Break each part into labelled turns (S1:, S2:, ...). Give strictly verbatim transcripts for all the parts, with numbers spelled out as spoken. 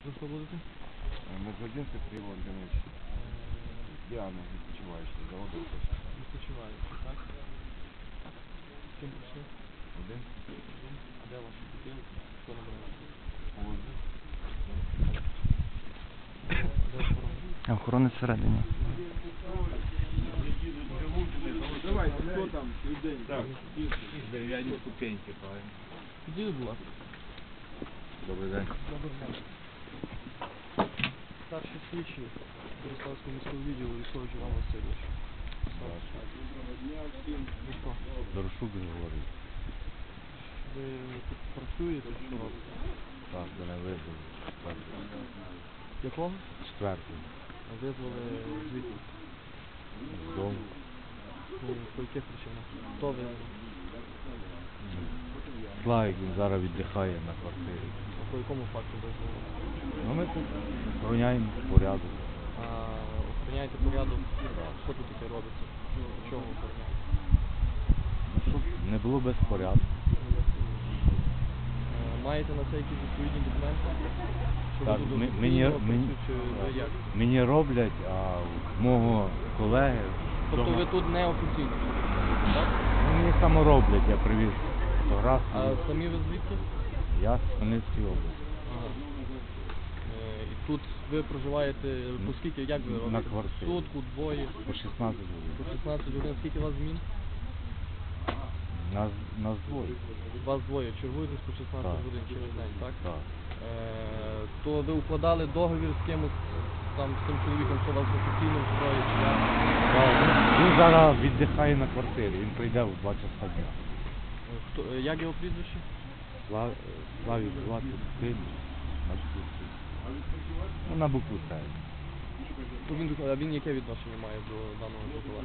S1: За що будете?
S2: Медвединцев Кирилл Антонович. Діана, відпочиваючий, заводився.
S1: Відпочиваючи, так? З ким прийшли?
S2: Один?
S1: Один. А де ваші бутилки? Хто набрав?
S2: Положив.
S1: А де охорона?
S3: А охорони всередині.
S2: Давайте, хто там? Так.
S4: Дерев'яні ступеньки, правильно.
S1: Підійдіть, будь ласка.
S4: Добрий день.
S1: Добрий день. Старший слідчий Бориславського міського відділу Військович Іван Васильович. Ви хто?
S3: Дорошук Григорій.
S1: Ви тут працюєте, що робите?
S3: Так, мене визвали.
S1: Якого?
S3: Четвертий.
S1: Визвали звідти.
S3: З дому.
S1: Ну, по яких причинах? Хто визвав?
S3: Славік, він зараз віддихає на квартирі.
S1: А по якому факту визвали?
S3: Ну ми тут охороняємо порядок.
S1: А охороняєте порядок? Що тут таке робиться? Чого охороняєте?
S3: Ну, щоб не було безпорядку.
S1: Е, Маєте на це якісь відповідні документи? Що ви
S3: Так,
S1: тут
S3: ми-
S1: офіційно
S3: мені,
S1: працюєте,
S3: мені,
S1: чи ви як?
S3: мені роблять, а в мого колеги...
S1: Тобто
S3: вдома-
S1: ви тут не офіційно? Так?
S3: Ну, мені само роблять, я привіз
S1: А
S3: фотографії.
S1: самі ви звідки?
S3: Я з Хмельницької області.
S1: Ага. Е, І тут ви проживаєте, по скільки, як ви
S3: На
S1: робите?
S3: квартирі.
S1: Сутку, двоє,
S3: По шістнадцять
S1: по
S3: годин.
S1: шістнадцять годин. Скільки у вас змін?
S3: Нас, нас двоє.
S1: Вас двоє. Чергуєтесь по шістнадцять
S3: Так.
S1: годин через день, так?
S3: Так.
S1: Е, То ви укладали договір з кимось, там, з тим чоловіком, що вас офіційно встроїть? чи як?
S3: Так, він зараз віддихає на квартирі, він прийде в два часа дня.
S1: Е, Хто, е, як його прізвище?
S3: Слав, Славік звати син, на букву С. Ну, на букву С.
S1: То він, а він яке відношення має до даного житла?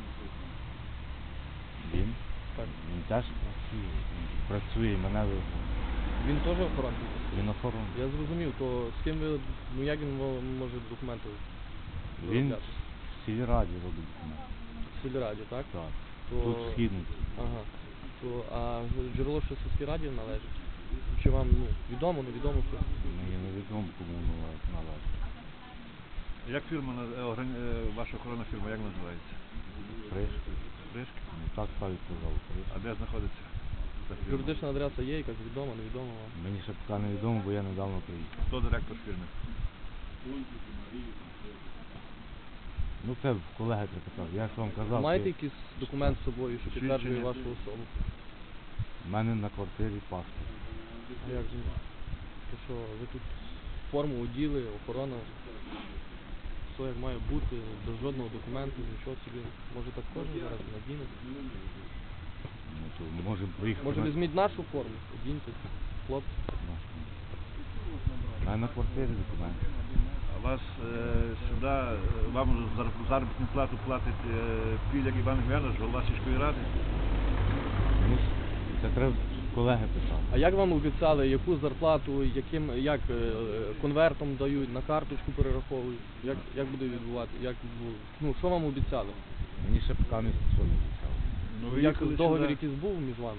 S3: Він?
S1: Так.
S3: Він теж працює. Він працює, і мене визнав.
S1: Він теж охоронний?
S3: Він охоронний.
S1: Я зрозумів, то з ким ви, ну як він мо- може документи
S3: Він
S1: виробляти?
S3: в сільраді робить документи.
S1: В сільраді, так?
S3: Так.
S1: То...
S3: Тут східниці.
S1: Ага. То, а джерело що сільській раді належить? Чи вам, ну, відомо, невідомо, що?
S3: Мені невідомо, кому належить. належить.
S4: Як фірма, наз- е, органі- е, ваша охоронна фірма, як називається?
S3: Кришки.
S4: Кришки?
S3: Ну, так Славік казав,
S4: А
S3: кришки.
S4: де знаходиться ця фірма?
S1: Юридична адреса є, якась відома, невідома вам?
S3: Мені ще поки невідомо, бо я недавно приїхав.
S4: Хто директор фірми?
S3: Ну це в колеги припитав. Я ж вам казав,
S1: Маєте
S3: що
S1: якийсь документ з собою, що підтверджує
S4: Свідчення?
S1: вашу особу?
S3: в мене на квартирі паспорт.
S1: А як же? То що, ви тут форму оділи, охорона, все як має бути, без жодного документу, нічого собі. Може так кожен зараз надіне?
S3: Ну, то можемо проїхати.
S1: Може
S3: на-
S1: візьміть нашу форму, одіньте, хлопці.
S3: нашу. У мене на квартирі документи.
S4: А вас е, сюди, е, вам зар- заробітну плату платить е, Піляк Іван Гвянович, голова сільської ради?
S3: Ну, це треба колеги питати.
S1: А як вам обіцяли, яку зарплату, яким, як е, конвертом дають, на карточку перераховують? Як, як буде відбувати? Як, бу- ну, що вам обіцяли?
S3: Мені ще поки не що не обіцяли.
S4: Ну, ви
S1: Як
S4: їхали
S1: договір
S4: сюди,
S1: якийсь був між вами?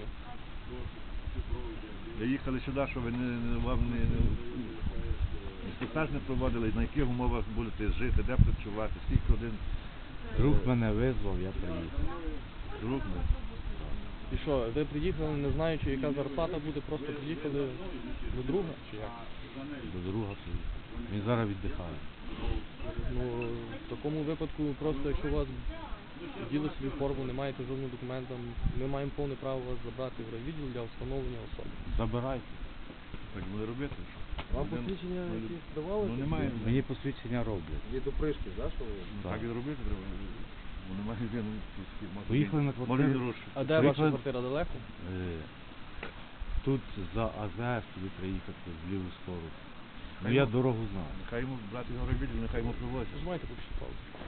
S4: ви їхали сюди, що ви не, не, вам не, не, інструктаж не проводили, на яких умовах будете жити, де працювати, скільки годин
S3: Друг мене визвав, я приїхав.
S4: друг не.
S1: І що, ви приїхали, не знаючи, яка зарплата буде, просто приїхали до друга, чи як?
S3: До друга приїхав. Він зараз віддихає.
S1: Ну, в такому випадку, просто якщо у вас діли собі форму, не маєте жодного документа, ми маємо повне право вас забрати в райвідділ для встановлення особи.
S3: Забирайте.
S4: Так буде робити? що?
S1: Вам
S4: Один-
S1: посвідчення
S4: ну,
S1: якісь давали?
S4: Ну немає.
S3: Мені посвідчення роблять.
S1: Є допришки, да, що ви?
S4: Так і робити треба. Ну немає він.
S3: Поїхали на квартиру.
S4: Може дорожче.
S1: А де
S3: Приїхали-
S1: ваша квартира далеко?
S3: Е, Тут за АЗС тобі приїхати в ліву сторону. Ну
S4: Хай
S3: я
S4: ну.
S3: дорогу знаю.
S4: Нехай йому брати його робити, нехай йому привозять.
S1: Нажимайте поки що паузу.